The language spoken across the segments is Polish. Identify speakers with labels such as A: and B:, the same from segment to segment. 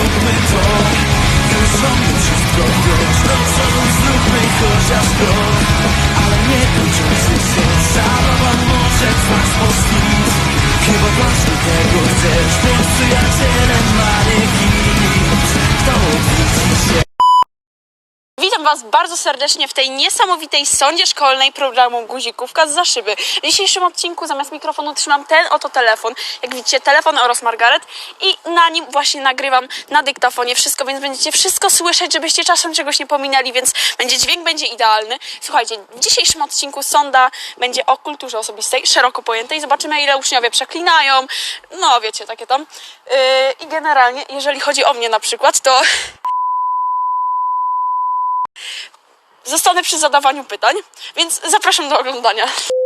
A: zróbmy to. Już robię wszystko wiesz, do przodu zróbmy chociaż krok. Ale nie kończący się, zabawa może trwać po świt. Chyba właśnie tego chcesz, bądź przyjacielem manekins. Kto odwiedzi się?
B: Witam Was bardzo serdecznie w tej niesamowitej sondzie szkolnej programu Guzikówka zza szyby. W dzisiejszym odcinku zamiast mikrofonu trzymam ten oto telefon. Jak widzicie, telefon oraz Margaret i na nim właśnie nagrywam na dyktafonie wszystko, więc będziecie wszystko słyszeć, żebyście czasem czegoś nie pominęli, więc dźwięk będzie idealny. Słuchajcie, w dzisiejszym odcinku sonda będzie o kulturze osobistej, szeroko pojętej. Zobaczymy, ile uczniowie przeklinają, no wiecie, takie tam. I generalnie, jeżeli chodzi o mnie na przykład, to zostanę przy zadawaniu pytań, więc zapraszam do oglądania.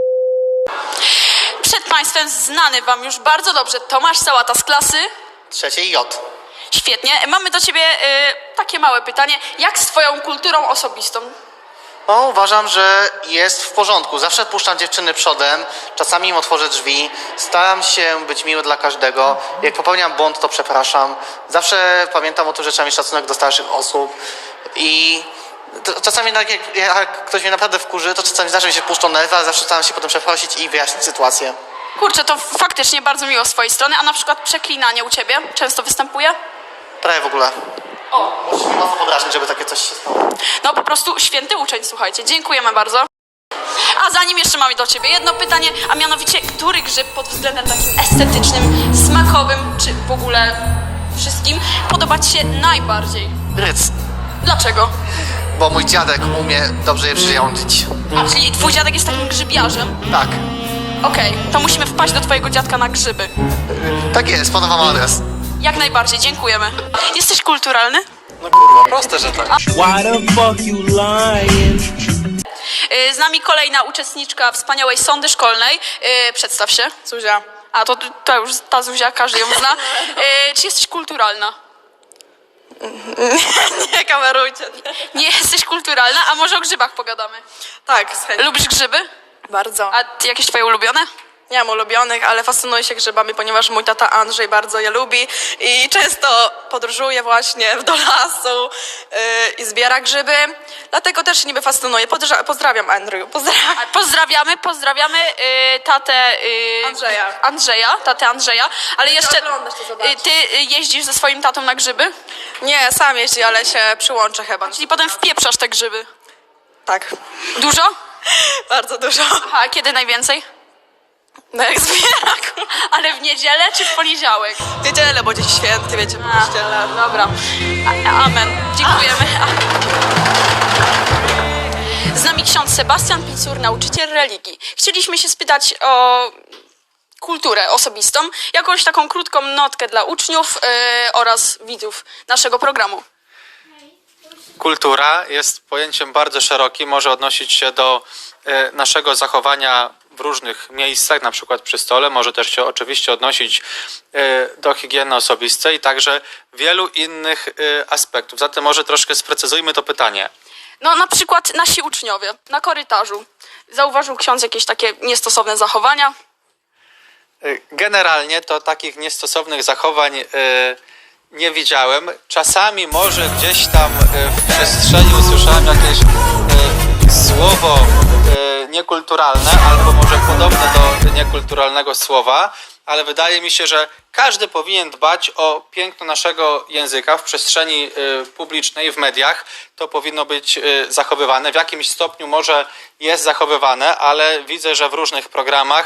B: Przed Państwem znany Wam już bardzo dobrze Tomasz Sałata z klasy.
C: Trzeciej J.
B: Świetnie. Mamy do Ciebie takie małe pytanie. Jak z Twoją kulturą osobistą?
C: No, uważam, że jest w porządku. Zawsze puszczam dziewczyny przodem, czasami im otworzę drzwi, staram się być miły dla każdego. Jak popełniam błąd, to przepraszam. Zawsze pamiętam o tym, że trzeba mieć szacunek do starszych osób i czasami jak ktoś mnie naprawdę wkurzy, to czasami zdarza mi się puszczą nerwy, ale zawsze staram się potem przeprosić i wyjaśnić sytuację.
B: Kurczę, to faktycznie bardzo miło z Twojej strony, a na przykład przeklinanie u Ciebie często występuje?
C: Prawie w ogóle.
B: O,
C: Muszę się mocno podrażnić, żeby takie coś się stało.
B: no po prostu święty uczeń, słuchajcie. Dziękujemy bardzo. A zanim jeszcze mamy do Ciebie jedno pytanie, a mianowicie, który grzyb pod względem takim estetycznym, smakowym, czy w ogóle wszystkim podoba Ci się najbardziej?
C: Ryc,
B: Dlaczego?
C: bo mój dziadek umie dobrze je przyrządzić.
B: A, czyli Twój dziadek jest takim grzybiarzem?
C: Tak,
B: Okej, to musimy wpaść do Twojego dziadka na grzyby.
C: tak jest, podam wam adres.
B: Jak najbardziej, dziękujemy. Jesteś kulturalny?
C: No kurwa, proste, że tak.
A: Why the fuck you lying?
B: Z nami kolejna uczestniczka wspaniałej sondy szkolnej. Przedstaw się.
D: Zuzia.
B: A to już ta Zuzia, każdy ją zna. Czy jesteś kulturalna?
D: Nie kamerujcie.
B: Nie jesteś kulturalna, a może o grzybach pogadamy?
D: Tak, z chęcią.
B: Lubisz grzyby?
D: Bardzo.
B: A jakieś Twoje ulubione?
D: Nie mam ulubionych, ale fascynuję się grzybami, ponieważ mój tata Andrzej bardzo je lubi i często podróżuje właśnie do lasu i zbiera grzyby. Dlatego też się niby fascynuję. Pozdrawiam, Andrew. Pozdrawiam.
B: Pozdrawiamy tatę tatę Andrzeja, ale jeszcze
D: oglądasz, to zobaczysz.
B: ty jeździsz ze swoim tatą na grzyby?
D: Nie, sam jeździ, ale się przyłączę chyba.
B: Czyli potem wpieprzasz te grzyby.
D: Tak.
B: Dużo?
D: Bardzo dużo.
B: A kiedy najwięcej?
D: No jak zbiera.
B: Ale w niedzielę czy w poniedziałek?
D: W niedzielę, bo dziś święty, wiecie, w kościele.
B: Dobra. Amen. Dziękujemy. Z nami ksiądz Sebastian Picur, nauczyciel religii. Chcieliśmy się spytać o kulturę osobistą, jakąś taką krótką notkę dla uczniów oraz widzów naszego programu.
E: Kultura jest pojęciem bardzo szerokim, może odnosić się do naszego zachowania w różnych miejscach, na przykład przy stole, może też się oczywiście odnosić do higieny osobistej i także wielu innych aspektów. Zatem może troszkę sprecyzujmy to pytanie.
B: No na przykład nasi uczniowie na korytarzu. Zauważył ksiądz jakieś takie niestosowne zachowania?
E: Generalnie to takich niestosownych zachowań nie widziałem. Czasami może gdzieś tam w przestrzeni usłyszałem jakieś słowo niekulturalne albo może podobne do niekulturalnego słowa, ale wydaje mi się, że każdy powinien dbać o piękno naszego języka w przestrzeni publicznej, w mediach. To powinno być zachowywane. W jakimś stopniu może jest zachowywane, ale widzę, że w różnych programach,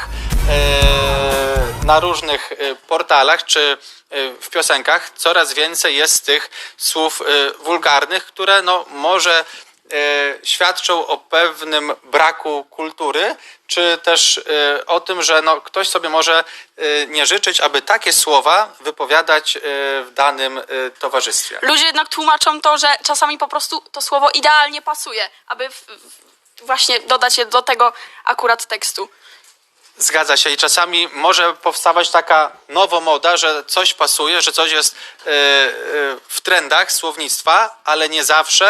E: na różnych portalach czy w piosenkach coraz więcej jest tych słów wulgarnych, które no może świadczą o pewnym braku kultury, czy też o tym, że no, ktoś sobie może nie życzyć, aby takie słowa wypowiadać w danym towarzystwie.
B: Ludzie jednak tłumaczą to, że czasami po prostu to słowo idealnie pasuje, aby właśnie dodać je do tego akurat tekstu.
E: Zgadza się i czasami może powstawać taka nowomoda, że coś pasuje, że coś jest w trendach słownictwa, ale nie zawsze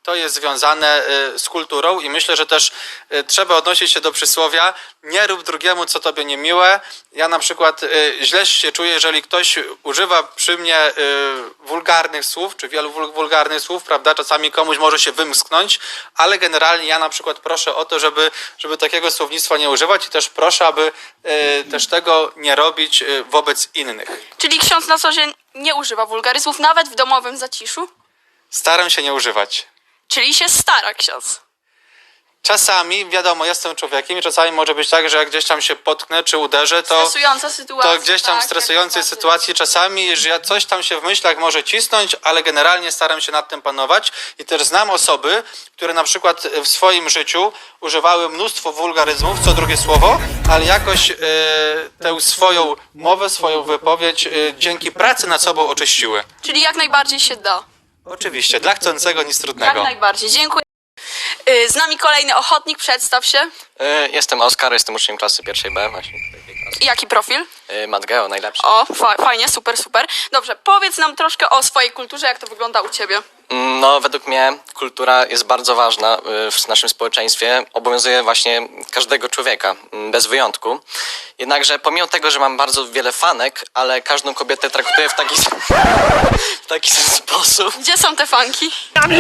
E: to jest związane z kulturą i myślę, że też trzeba odnosić się do przysłowia nie rób drugiemu, co tobie niemiłe. Ja na przykład źle się czuję, jeżeli ktoś używa przy mnie wulgarnych słów, czy wielu wulgarnych słów, prawda? Czasami komuś może się wymsknąć, ale generalnie ja na przykład proszę o to, żeby takiego słownictwa nie używać i też proszę, aby też tego nie robić wobec innych.
B: Czyli ksiądz na co dzień nie używa wulgaryzmów, nawet w domowym zaciszu?
E: Staram się nie używać.
B: Czyli się stara ksiądz.
E: Czasami, wiadomo, jestem człowiekiem i czasami może być tak, że jak gdzieś tam się potknę czy uderzę, to
B: Stresująca sytuacja.
E: to gdzieś tam
B: tak,
E: w stresującej
B: jak najbardziej.
E: sytuacji czasami, że ja coś tam się w myślach może cisnąć, ale generalnie staram się nad tym panować i też znam osoby, które na przykład w swoim życiu używały mnóstwo wulgaryzmów, co drugie słowo, ale jakoś tę swoją mowę, swoją wypowiedź dzięki pracy nad sobą oczyściły.
B: Czyli jak najbardziej się da.
E: Oczywiście, dla chcącego nic
B: Jak
E: trudnego.
B: najbardziej. Dziękuję. Z nami kolejny ochotnik, przedstaw się.
F: Jestem Oskar, jestem uczniem klasy pierwszej B, właśnie tej klasy.
B: Jaki profil?
F: Matgeo, najlepszy.
B: O, fajnie, super, super. Dobrze, powiedz nam troszkę o swojej kulturze, jak to wygląda u ciebie.
F: No, według mnie kultura jest bardzo ważna w naszym społeczeństwie. Obowiązuje właśnie każdego człowieka, bez wyjątku. Jednakże pomimo tego, że mam bardzo wiele fanek, ale każdą kobietę traktuję w taki sam sposób.
B: Gdzie są te fanki?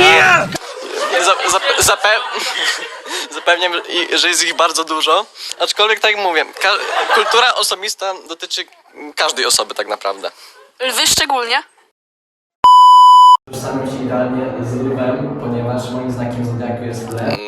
F: Zapewniam, że jest ich bardzo dużo. Aczkolwiek tak jak mówię, kultura osobista dotyczy każdej osoby tak naprawdę.
B: Lwy szczególnie.
G: Utożsamiam się idealnie z lwem, ponieważ moim znakiem zodiaku jest lew.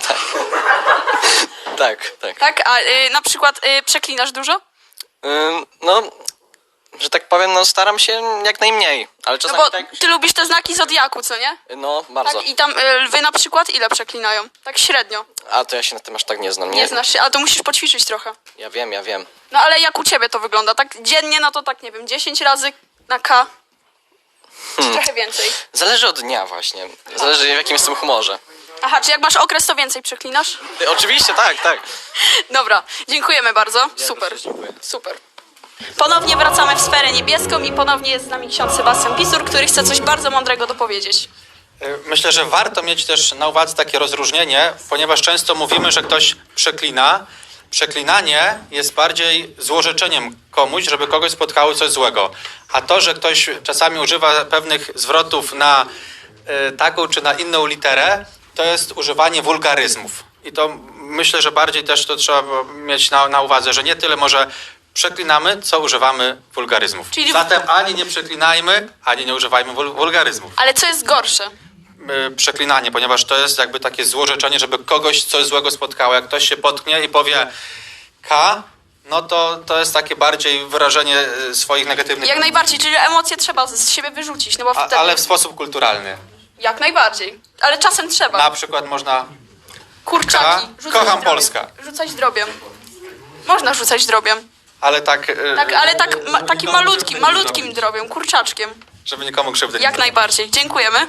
F: Tak.
B: Tak, a na przykład przeklinasz dużo?
F: No, że tak powiem, no staram się jak najmniej, ale
B: No
F: czasami
B: bo
F: tak...
B: ty lubisz te znaki zodiaku, co nie?
F: No, bardzo.
B: Tak, i tam lwy na przykład ile przeklinają? Tak średnio.
F: A to ja się na tym aż tak nie znam.
B: Nie znasz się, ale to musisz poćwiczyć trochę.
F: Ja wiem.
B: No ale jak u ciebie to wygląda? Tak dziennie, no to tak nie wiem, 10 razy na K. Czy trochę więcej?
F: Zależy od dnia właśnie. Zależy w jakim jestem humorze.
B: Aha, czy jak masz okres, to więcej przeklinasz?
F: Oczywiście, tak.
B: Dobra, dziękujemy bardzo. Super, super. Ponownie wracamy w sferę niebieską i ponownie jest z nami ksiądz Sebastian Pisur, który chce coś bardzo mądrego dopowiedzieć.
E: Myślę, że warto mieć też na uwadze takie rozróżnienie, ponieważ często mówimy, że ktoś przeklina. Przeklinanie jest bardziej złorzeczeniem komuś, żeby kogoś spotkało coś złego. A to, że ktoś czasami używa pewnych zwrotów na taką czy na inną literę, to jest używanie wulgaryzmów. I to myślę, że bardziej też to trzeba mieć na uwadze, że nie tyle może przeklinamy, co używamy wulgaryzmów.
B: Czyli-
E: Zatem ani nie przeklinajmy, ani nie używajmy wulgaryzmów.
B: Ale co jest gorsze?
E: Przeklinanie, ponieważ to jest jakby takie złorzeczenie, żeby kogoś coś złego spotkało. Jak ktoś się potknie i powie K, no to jest takie bardziej wyrażenie swoich negatywnych...
B: Jak najbardziej, czyli emocje trzeba z siebie wyrzucić, no bo wtedy...
E: Ale w sposób kulturalny.
B: Jak najbardziej. Ale czasem trzeba.
E: Na przykład można...
B: Kurczaki.
E: K.
B: Rzucać
E: Kocham
B: drobiem.
E: Polskę.
B: Rzucać drobiem. Można rzucać drobiem.
E: Ale tak...
B: Tak, ale takim malutkim drobiem, kurczaczkiem.
E: Żeby nikomu krzywdy nie
B: Jak
E: zrobić.
B: najbardziej. Dziękujemy.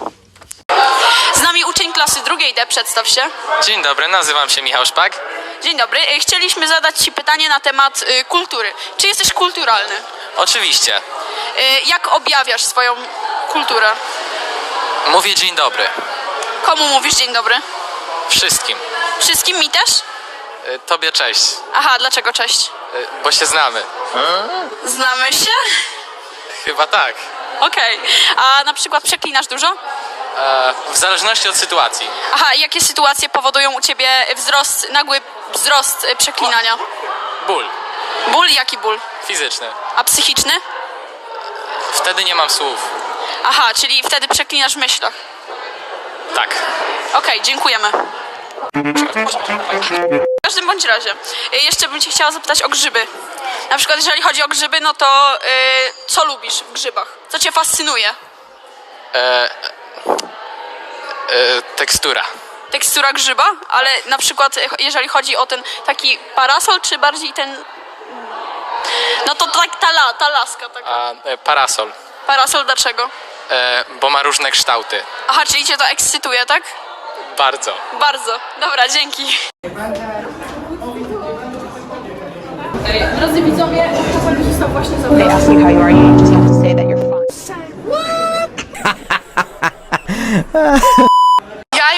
B: Z nami uczeń klasy drugiej D, przedstaw się.
H: Dzień dobry, nazywam się Michał Szpak.
B: Dzień dobry. Chcieliśmy zadać ci pytanie na temat kultury. Czy jesteś kulturalny?
H: Oczywiście.
B: Jak objawiasz swoją kulturę?
H: Mówię dzień dobry.
B: Komu mówisz dzień dobry?
H: Wszystkim.
B: Wszystkim, mi też?
H: Tobie cześć.
B: Aha, dlaczego cześć?
H: Bo się znamy.
B: Znamy się?
H: Chyba tak.
B: Okej. A na przykład przeklinasz dużo?
H: W zależności od sytuacji.
B: Aha, jakie sytuacje powodują u ciebie nagły wzrost przeklinania?
H: Ból.
B: Ból? Jaki ból?
H: Fizyczny.
B: A psychiczny?
H: Wtedy nie mam słów.
B: Aha, czyli wtedy przeklinasz w myślach.
H: Tak.
B: Okej, dziękujemy. W każdym bądź razie, jeszcze bym cię chciała zapytać o grzyby. Na przykład jeżeli chodzi o grzyby, no to co lubisz w grzybach? Co cię fascynuje?
H: Tekstura.
B: Tekstura grzyba? Ale na przykład jeżeli chodzi o ten taki parasol, czy bardziej ten... No to tak ta laska taka.
H: Parasol.
B: Parasol dlaczego?
H: Bo ma różne kształty.
B: Aha, czyli cię to ekscytuje, tak?
H: Bardzo.
B: Bardzo. Dobra, dzięki. Drodzy widzowie, czasami został właśnie
I: They
B: zabrany.
I: ask you how you are, you just have to say that you're fine.
B: Ja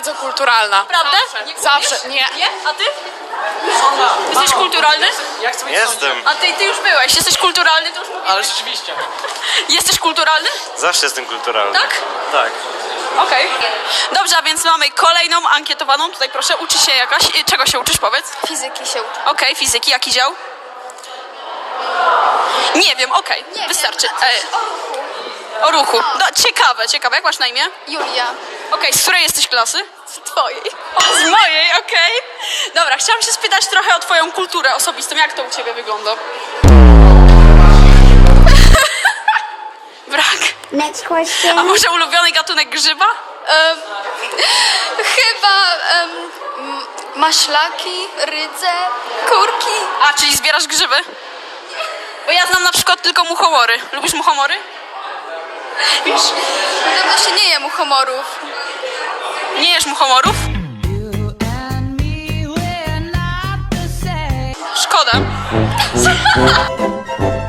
D: bardzo kulturalna.
B: Prawda?
D: Zawsze. Nie.
B: Nie? A ty? Jesteś kulturalny?
I: Jestem.
B: A ty już byłeś. Jesteś kulturalny? To już mówię.
F: Ale rzeczywiście.
B: Jesteś kulturalny?
I: Zawsze jestem kulturalny.
B: Tak?
I: Tak.
B: Okej. Dobrze, a więc mamy kolejną ankietowaną. Tutaj proszę, uczy się jakaś. Czego się uczysz, powiedz?
J: Fizyki się uczę.
B: Okej, fizyki. Jaki dział? Nie wiem, okej. Wystarczy. O ruchu. No, ciekawe. Jak masz na imię?
J: Julia.
B: Okej, z której jesteś klasy? Z twojej. O, z mojej, okej. Dobra, chciałam się spytać trochę o twoją kulturę osobistą. Jak to u ciebie wygląda? Brak.
J: Next question.
B: A może ulubiony gatunek grzyba?
J: Chyba maślaki, rydze, kurki.
B: A, czyli zbierasz grzyby? Bo ja znam na przykład tylko muchomory. Lubisz muchomory? Wiesz,
J: Dawno się nie je muchomorów.
B: nie jesz muchomorów? Szkoda.